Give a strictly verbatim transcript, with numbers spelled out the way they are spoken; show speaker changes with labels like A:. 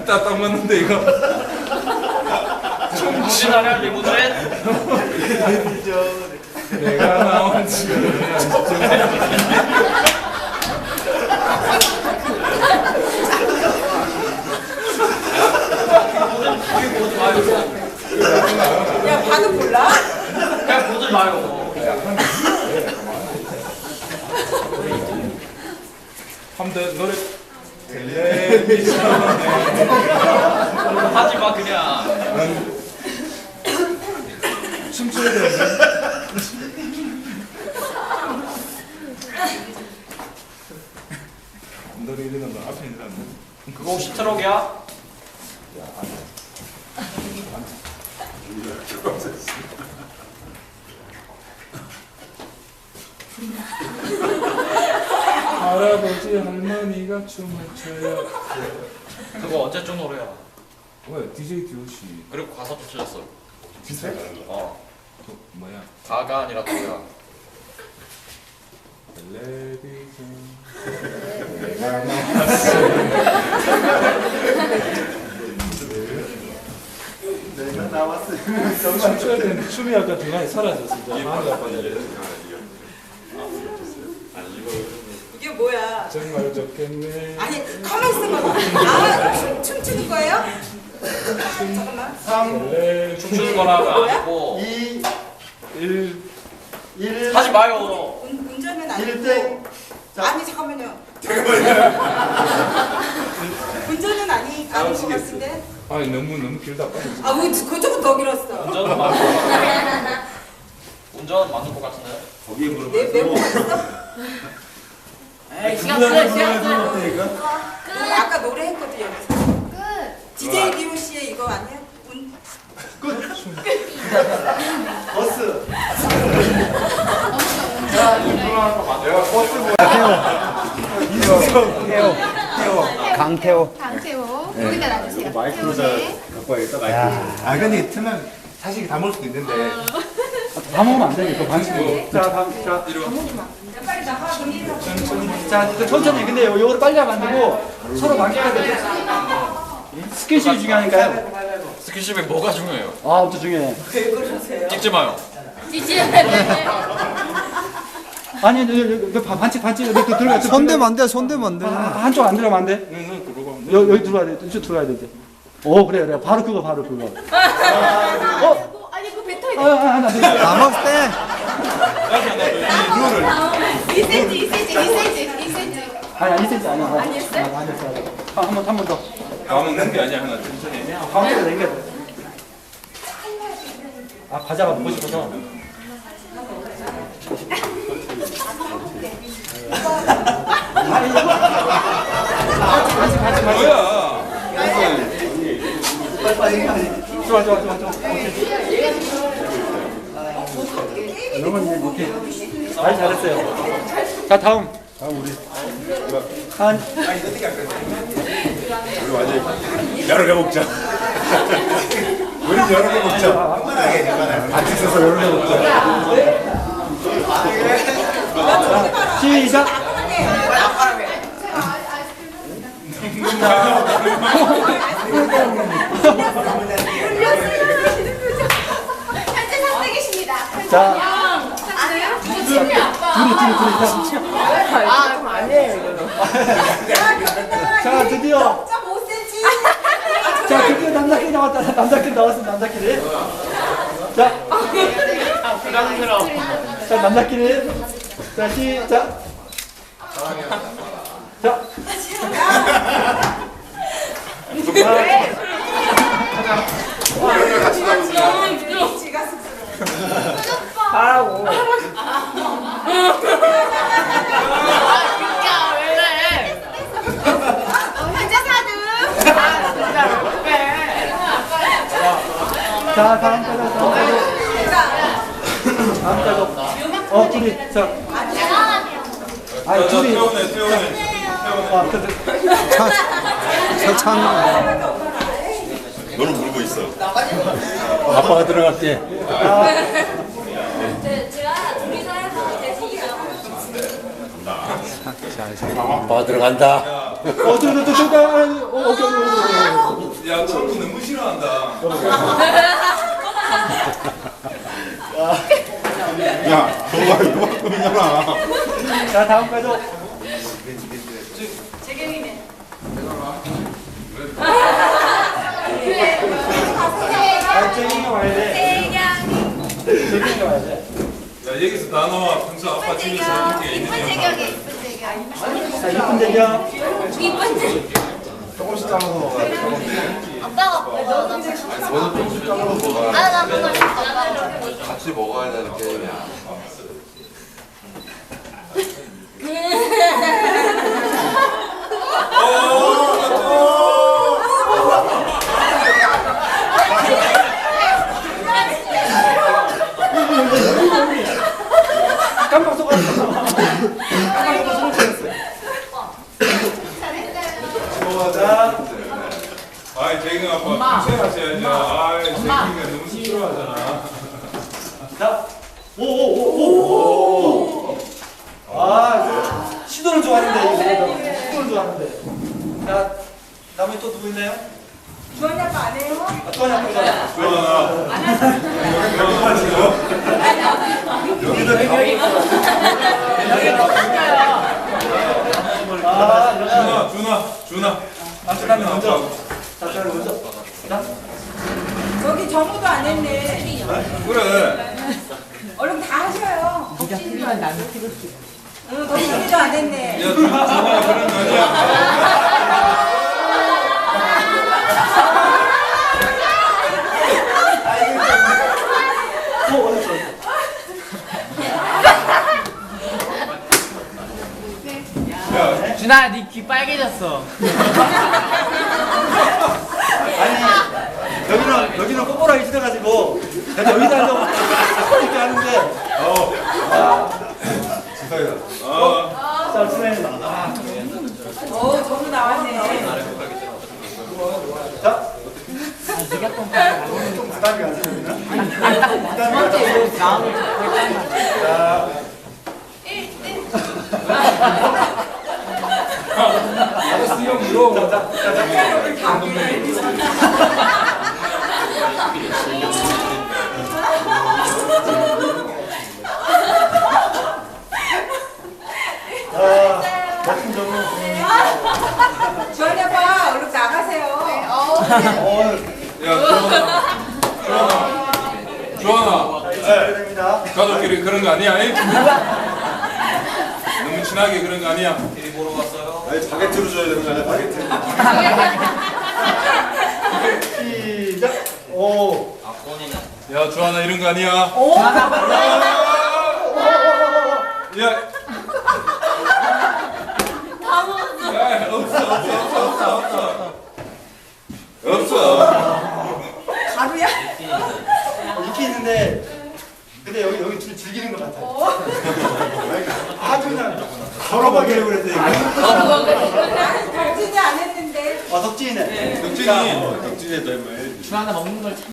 A: 딱 딱 맞는데 이거.
B: 정신하냐 리모델?
A: 내가 나온 지금.
C: 야, 봐도 몰라?
B: 그냥 보지 마요.
A: 한번 노래 텔레비전에
B: 하지 마 그냥.
A: 춤춰야 되는데. 노래 이러는 거 앞에 있는 거.
B: 그거 혹시 트럭이야?
A: 할아버지 할머니가 춤을 춰요.
B: 그거 언제쯤 노래야?
A: 왜 디제이 디오씨
B: 그리고 가사도 틀렸어.
A: 진짜?
B: 어.
A: 또 뭐야?
B: 가가 아니라 도야.
A: 텔레비전
D: 내가 나왔어.
A: 춤춰야 되는데 춤이 아까 중간에 사라졌어. 마음이 아파져.
C: 이게 뭐야?
A: 정말 좋겠네.
C: 아니, 가만 있어봐. 아, 춤, 춤추는 거예요? 잠깐만.
D: 삼,
A: 텔레
B: 춤추는 거라가 아니고.
D: 이,
A: 일
D: 일.
B: 하지 마요.
C: 운, 운전은
D: 일
C: 아니고.
D: 대.
C: 아니, 잠깐만요. 운전은 아니, 아닌 것 같은데?
A: 아니 너무 너무 길다 빨리.
C: 아, 우, 그쪽은 더 길었어.
B: 운전은 맞는 거 같아. 운전은 맞는 거 같은데.
D: 거기에
C: 내
D: 물어봤어.
C: 메모 있어?
E: 에이, 시간 끝, 시간 끝.
C: 그럼 아까 노래 했거든, 여기서. 디제이 디오 씨의 이거 아니야? 운,
D: 버스.
A: 내가 버스 뭐야? 이수성 태호
F: 강태호.
E: 강태호. 거기다 놔주세요.
D: 마이크로
E: 태호네.
D: 갖고 와야겠다, 마이크로.
A: 아 근데 틀면 사실 다 먹을 수도 있는데.
D: 다 먹으면 안 되니까 반칙으로. 자, 다음, 자.
C: 빨리 나가, 정리해서.
D: 자, 그 천천히. 근데 요- 요거를 빨리 하면 안 되고 서로 맞춰야 돼. 스킨십이 중요하니까요.
B: 스킨십이 뭐가 중요해요?
D: 아, 엄청 중요해.
C: 왜 그러세요?
B: 찍지 마요.
E: 찌찌해야 돼.
D: 아니, 요, 요, 요, 반칙, 반칙. 여기 또 들어가.
F: 손대면 안 돼, 손대면 안 돼.
D: 아, 한쪽 안 들어가면 안 돼.
A: 응, 그러고.
D: 여, 여기 들어가야 돼. 이쪽 들어가야 돼. 이제. 오, 그래, 그래. 바로 그거, 바로 그거. 어?
E: 아니, 그거 뱉어야
D: 아, 아, 하나, 둘, 셋.
F: 다 먹을 때.
E: 돼. 이 센티미터, 이 센티미터, 이 센티미터, 이 센티미터.
D: 아니, 아니, 이 센치 아니야.
E: 아니었어요?
D: 아, 아니었어. 아, 한 번, 한 번 더.
A: 다 먹는 게 아니야 하나 천천히.
D: 가운데로 당겨야 돼. 아, 과자가 먹고 싶어서.
A: 뭐야?
D: 좋아, 좋아, 좋아, 좋아. 너무 이제 이렇게 말 잘했어요. 자, 다음. 다음 우리. 한.
A: 여러 개 먹자. 우리 여러 개 먹자. 같이 있어서 여러 개 먹자.
D: 자, 시작.
E: 현재 상대 계십니다.
D: 자,
E: 아니요? 친미 아빠.
D: 둘이, 둘이, 둘이.
E: 아, 그럼 아니에요.
D: 자, 드디어.
C: 점 오 센티미터.
D: 자, 드디어 남자끼리 나왔다. 남자끼리 나왔어, 남자끼리. 자, 자, 남자끼리. 자, 시작. 자.
C: 지가 쑥스러워.
E: 하라고. 아, 왜 그래? 현재 사등. 아, 진짜 왜 그래?
D: 자, 다음 가자, 다음 가자. 다음 가자. 어, 둘이. 자. 아니, 둘이.
A: 태우네 태우네.
D: 아, 그,
F: 차, 차창.
A: 너는 물고 있어.
D: 아빠가 들어갈게.
F: 아빠 들어간다.
D: 어, 저, 저, 저, 저, 어, 오케이, 오케이, 오케이.
G: 야, 참고 너무 싫어한다.
A: 야, 저거 이만큼이잖아.
D: 자, 다음 가족.
E: 재경이네.
D: 아, 재경이가 와야 돼. 재경이가 와야 돼.
G: 야, 여기서 다 나와. 평소 아빠 집에서 이렇게 있는
E: 이쁜
G: 거.
E: 재경이, 이쁜 재경.
D: 자, 이쁜 재경.
E: 이쁜 재경.
A: 조금씩 잘라서 먹어야 돼.
E: 아빠가 너도
A: 너는 조금씩 잘라서 먹어야 돼.
E: 아, 나 그거 싶어.
A: 같이 먹어야 되는 게임이야.
D: 깜빡 속았어. 깜빡 속아서 손을 쳤어요. 자,
G: 아이, 재경 아빠 평소에 하셔야죠. 아이, 재경이가 너무 시끄러워하잖아.
D: 자, 오, 오, 오, 오. 아, 시도는 좋았는데, 시도는 좋았는데. 자, 다음에 또 누구 있나요?
C: 주원이 아빠 안 해요?
D: 아, 또 하나, 또 하나. 아,
G: 준아, 준아, 준아.
D: 아, 잠깐만, 먼저. 자, 자, 먼저. 자,
C: 저기 정우도 안 했네.
G: 그래.
C: 얼른 다 하셔요. 덕진이만 나는 찍을게. 응, 덕진이도 안 했네.
G: 야, 준아, 준아 그런 거 아니야.
D: 또 어딨어?
G: 야,
B: 준아, 네 귀 빨개졌어.
D: 아니, 여기는, 여기는 꼬꼬라기 있어가지고, 내가 여기다 앉아서 이렇게 하는데,
G: 어.
D: 자, 진행해. 아,
C: 오, 정우 나왔네.
D: 자. 좀 부담이 가지, 여기는? 부담이 가지. 자.
G: 아저씨 형 이거.
D: 자, 자, 자, 자. 아, 멋진 정우.
C: 주원이 아빠 얼른 나가세요.
D: 어,
G: 야, 주원아. 주원아. 주원아.
D: 네, 됩니다.
G: 가족끼리 그런 거 아니야? 이? 너무 친하게 그런 거 아니야?
B: TV 보러 왔어요.
A: 아니, 바게트로 줘야 되는 거 아니야, 바게트.
D: 시작. 오.
B: 아권이네.
G: 야, 주원아 이런 거 아니야?
C: 오,
G: 야. 야, 없어, 없어, 없어, 없어, 없어. 없어.
C: 가루야?
D: 있긴 있는데, 근데 여기, 여기 좀 즐기는 것 같아요. 아주 그냥,
A: 걸어가기를 그랬더니.
C: 덕진이 안 했는데.
D: 어, 덕진이네.
G: 덕진이.
A: 덕진이 닮아야지.
B: 준아, 나 먹는 걸 참.